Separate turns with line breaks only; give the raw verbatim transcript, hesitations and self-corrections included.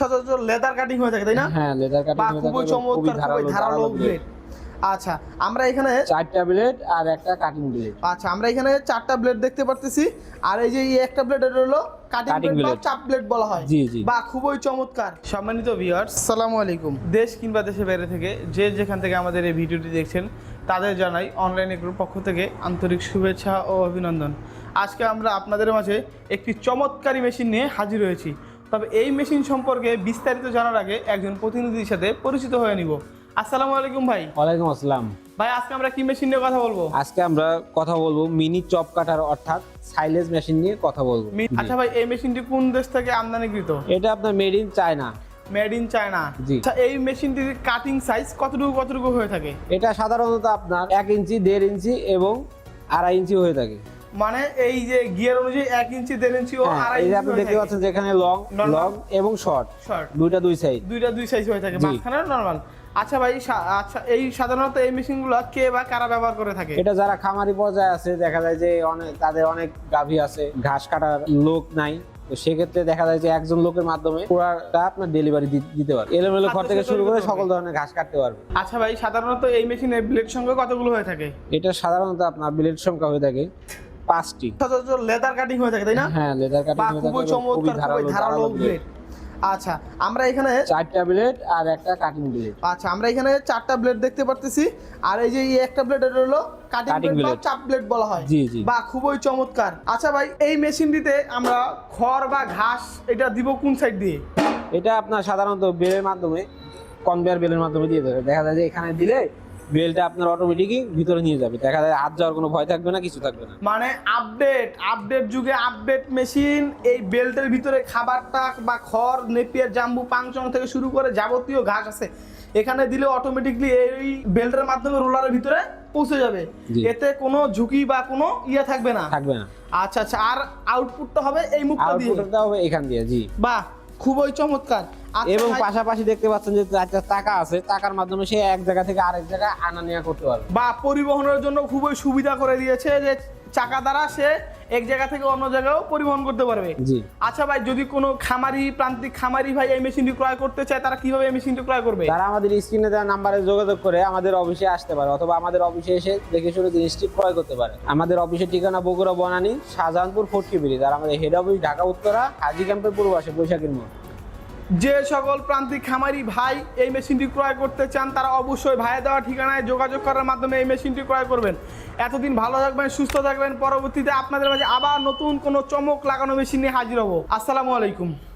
সচরাচর leather cutting হয়ে থাকে তাই না?
হ্যাঁ, লেদার কাটিং হয়ে থাকে।
খুবই চমৎকার, খুবই ধারালো ব্লেড। আচ্ছা, আমরা এখানে
চারটা ব্লেড আর একটা কাটিং ব্লেড।
আচ্ছা, আমরা এখানে চারটা ব্লেড দেখতে পারতেছি। আর এই যে এই একটা ব্লেড, এটা হলো কাটিং ব্লেড বা চাপ ব্লেড বলা হয়।
জি জি।
বা খুবই চমৎকার। সম্মানিত ভিউয়ার্স, আসসালামু আলাইকুম। দেশ কিংবা দেশের বাইরে থেকে যে যেখান থেকে আমাদের এই ভিডিওটি দেখছেন তাদের জানাই অনলাইন এগ্রোর পক্ষ থেকে আন্তরিক শুভেচ্ছা ও অভিনন্দন। আজকে আমরা আপনাদের মাঝে একটি চমৎকারী মেশিন নিয়ে হাজির হয়েছি। তবে এই মেশিন সম্পর্কে বিস্তারিত জানার আগে একজন প্রতিনিধির সাথে পরিচিত হয়ে নিব। আসসালামু আলাইকুম ভাই।
ওয়ালাইকুম আসসালাম
ভাই, আজকে আমরা কি মেশিন নিয়ে কথা বলবো?
আজকে আমরা কথা বলবো মিনি চপ কাটার অর্থাৎ সাইলেজ মেশিন নিয়ে কথা বলবো।
আচ্ছা ভাই, এই মেশিনটি কোন দেশ থেকে আমদানিকৃত?
এটা আপনার made in China.
Made in China.
জি।
আচ্ছা, এই মেশিনটির কাটিং সাইজ কতটুকু কতটুকু হয়ে থাকে?
এটা সাধারণত আপনার এক ইঞ্চি দেড় ইঞ্চি এবং আড়াই ইঞ্চি হয়ে থাকে।
মানে এই যে গিয়ার অনুযায়ী এক ইঞ্চি দেড় ইঞ্চি ও
হ্যাঁ,
আড়াই
এই যে
ইঞ্চি
আপনি
হয়ে
দেখতে
থাকে।
পাচ্ছেন যেখানে লং লং এবং শর্ট
শর্ট
দুইটা দুই সাইড
দুইটা দুই সাইজ হয়ে থাকে,
জি।
মাঝখানে নরমাল। আচ্ছা ভাই, সা- আচ্ছা এই সাধারণত এই মেশিনগুলো কে বা কারা ব্যবহার করে থাকে?
এটা যারা খামারি পর্যায়ে আছে, দেখা যায় যে অনেক তাদের অনেক গাভী আছে, ঘাস কাটার লোক নাই, তো সেক্ষেত্রে দেখা যায় যে একজন লোকের মাধ্যমে পুরাটা আপনার ডেলিভারি দিতে পারবে। এলোমেলো ঘর থেকে শুরু করে সকল ধরনের ঘাস কাটতে পারবে।
আচ্ছা ভাই, সাধারণত এই মেশিনের ব্লেড সংখ্যা কতগুলো হয়ে থাকে?
এটা সাধারণত আপনার ব্লেড সংখ্যা হয়ে থাকে পাঁচটি।
সচরাচর লেদার কাটিং হয়ে থাকে তাই না?
হ্যাঁ, লেদার কাটিং
বা
হয়ে
খুবই
থাকে,
চমৎকার, খুবই ধারালো ব্লেড। আচ্ছা, আমরা এখানে
চারটা ব্লেড আর একটা কাটিং ব্লেড।
আচ্ছা, আমরা এখানে চারটা ব্লেড দেখতে পারতেছি। আর এই যে এই একটা ব্লেড, এটা হলো কাটিং
Cutting
ব্লেড বা
blade।
চাপ ব্লেড বলা হয়।
জি জি।
বা খুবই চমৎকার। আচ্ছা ভাই, এই মেশিনটিতে আমরা খড় বা ঘাস এটা দিব কোন সাইড দিয়ে?
এটা আপনার সাধারণত বেলের মাধ্যমে, কনভেয়ার বেলের মাধ্যমে দিয়ে দেবে। দেখা যায় যে এখানে দিলে বেলটা আপনার অটোমেটিকই ভিতরে নিয়ে যাবে, দেখা যায় হাত যাওয়ার কোনো ভয় থাকবে না, কিছু থাকবে না।
মানে আপডেট আপডেট যুগে আপডেট মেশিন। এই বেল্টের ভিতরে খাবারটা বা খড়, নেপিয়ার, জাম্বু, পাংচং থেকে শুরু করে যাবতীয় ঘাস আছে, এখানে দিলে অটোমেটিকলি এই বেল্টের মাধ্যমে রোলারের ভিতরে পৌঁছে যাবে।
জি।
এতে কোনো ঝুঁকি বা কোনো ইয়ে থাকবে না।
থাকবে না।
আচ্ছা আচ্ছা, আর আউটপুটটা হবে এই মুখটা দিয়ে।
আউটপুটটা হবে এখান দিয়ে। জি।
বাহ, খুবই চমৎকার। আচ্ছা
এবং
ভাই,
পাশাপাশি দেখতে পাচ্ছেন যে চারটা টাকা আছে, টাকার মাধ্যমে সে এক জায়গা থেকে আরেক জায়গায় আনা নেওয়া করতে পারবে।
বা পরিবহনের জন্য খুবই সুবিধা করে দিয়েছে যে চাকা দ্বারা সে এক জায়গা থেকে অন্য জায়গাও পরিবহন করতে পারবে।
জি।
আচ্ছা ভাই, যদি কোনো খামারি, প্রান্তিক খামারি ভাই এই মেশিনটি ক্রয় করতে চায়, তারা কিভাবে এই মেশিনটি ক্রয় করবে?
তারা আমাদের স্ক্রিনে দেওয়া নাম্বারে যোগাযোগ করে আমাদের অফিসে আসতে পারে, অথবা আমাদের অফিসে এসে দেখে শুনে জিনিসটি ক্রয় করতে পারে। আমাদের অফিসের ঠিকানা বগুড়া বনানী, শাহজাহানপুর, ফটকি ব্রিজ। আর আমাদের হেড অফিস ঢাকা উত্তরা, হাজি ক্যাম্পের পূর্ব পাশে, বৈশাখীর মোড়।
যে সকল প্রান্তিক খামারি ভাই এই মেশিনটি ক্রয় করতে চান, তারা অবশ্যই ভাইয়ের দেওয়া ঠিকানায় যোগাযোগ করার মাধ্যমে এই মেশিনটি ক্রয় করবেন। এতদিন ভালো থাকবেন, সুস্থ থাকবেন। পরবর্তীতে আপনাদের মাঝে আবার নতুন কোনো চমক লাগানো মেশিন নিয়ে হাজির হব। আসসালামু আলাইকুম।